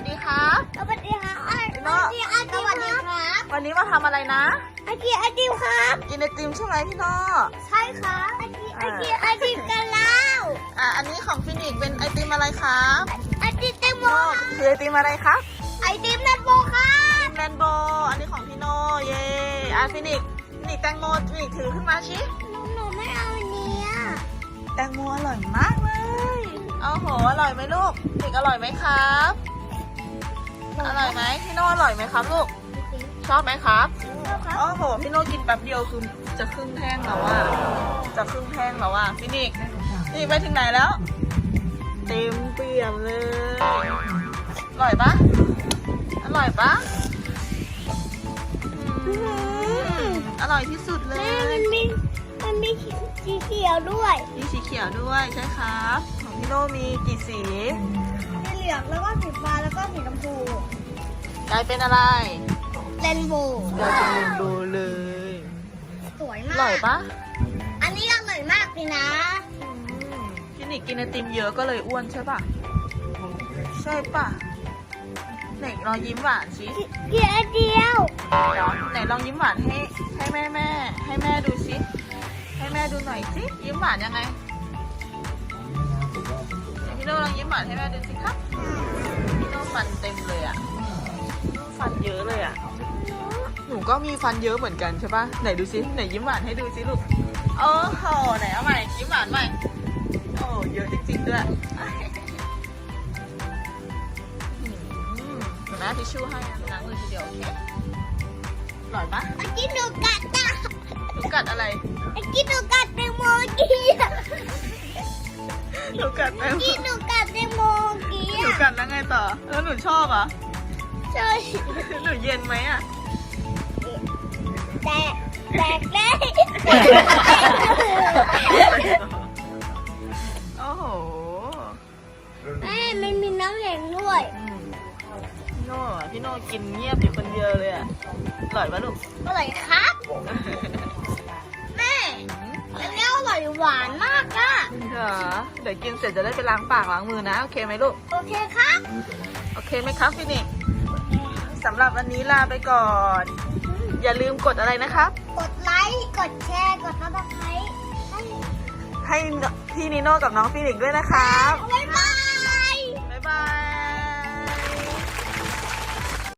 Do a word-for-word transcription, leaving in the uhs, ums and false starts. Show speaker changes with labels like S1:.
S1: ดีครับ
S2: สวัสดีค่ะ
S1: พี่โน่
S2: สวัสดีอาจิวครับ
S1: วันนี้มาทำอะไรนะ
S2: อาจิอาจิวครับ
S1: กินไอติมใช่ไหมพี่โน่
S2: ใช่ครับอาจิอาจิอาจิกันแล้ว
S1: อ่ะอันนี้ของฟินิกเป็นไอติมอะไรครับ
S2: อาจิเตมโม
S1: โน่คือไอติมอะไรครับ
S2: ไอติมนันโบครับ
S1: แมนโบอันนี้ของพี่โน่เย่อ่ะฟินิกฟินิกแตงโมฟินิกถือขึ้นมาชิ
S2: หนูหนูไม่เอาอันนี้อ่ะ
S1: แตงโมอร่อยมากเลยเอาโหอร่อยไหมลูกฟินิกอร่อยไหมครับอร่อยไหมพี่โน่อร่อยไหมครับลูกชอบไหมครับ
S2: ครับ
S1: โอ้โหพี่โน่กินแป๊บเดียวคือจะครึ่งแท่งแล้วอ่ะจะครึ่งแท่งแล้วอ่ะฟินิกนี่ไปถึงไหนแล้ว เต็มเปี่ยมเลยอร่อยปะอร่อยปะอืมอร่อยที่สุดเล
S2: แม่
S1: ย
S2: มันมีมันมีสีเขียวด้วย
S1: มีสีเขียวด้วยใช่ครับของพี่โน่มีกี่สี
S2: สีเหลืองแล้วก็สีฟ้าแล้วก็สีชมพู
S1: กลายเป็นอะไร
S2: เรนโบว์
S1: กลายเป็นเรนโบว์เลย
S2: สวย
S1: อ
S2: มาก
S1: ร่อยปะ
S2: อันนี้อร่อยมากเลยนะ
S1: ฟินิกกินไอติมเยอะก็เลยอ้วนใช่ปะใช่ปะไหนลองยิ้มหวานสิ
S2: เกียร์เดียว
S1: ไหนลองยิ้มหวานให้ให้แม่แม่ให้แม่ดูสิให้แม่ดูหน่อยสิยิ้มหวานยังไงไหนพี่โน่ลองยิ้มหวานให้แม่ดูสิครับพี่โน่ฟันเต็มเลยอ่ะฟันเยอะเลยอ่ะหนูก็มีฟันเยอะเหมือนกันใช่ปะไหนดูสิไหนยิ้มหวานให้ดูสิลูกโอ้โหไหนเอาใหม่ยิ้มหวานใหม่โอ้เยอะจริงๆด้วยอืมเดี๋ยวแม่ทิชชู่ให้นะล้างมือทีเดียวโอเคอร่อยปะ
S2: ไอ้กินหนูกัดจ้ะ
S1: หนูกัดอะไร
S2: ไอ้กินหนูกัดแตงโมกี้อ่ะ
S1: หนูกัดไหม
S2: กินหนูกัดแตงโมกี้
S1: หนู
S2: อ่ะ
S1: กัดแล้วไงต่อ แล้วหนูชอบอ่ะ
S2: ใช่
S1: หนูเย็นไหมอ่ะ
S2: แตกแตกได้
S1: โอ้โห
S2: แม่มันมีน้ำแข็งด้วย
S1: อืมพี่โน่อะพี่โน่กินเงียบอยู่คนเดียวเลยอ่ะอร่อยปะลูก
S2: อร่อยครับ แม่อันนี้อร่อยหวานมากอ่ะ
S1: เหรอเดี๋ยวกินเสร็จจะได้ไปล้างปากล้างมือนะ โอเคไหมลูก
S2: โอเคครับ
S1: โอเคไหมครับฟินิกสำหรับวันนี้ลาไปก่อน อย่าลืมกดอะไรนะครับ
S2: กดไลค์กดแชร์กดซับสไครต์ให้
S1: ให้พี่นิโน่กับน้องฟินิกด้วยนะครับ
S2: บ๊ายบาย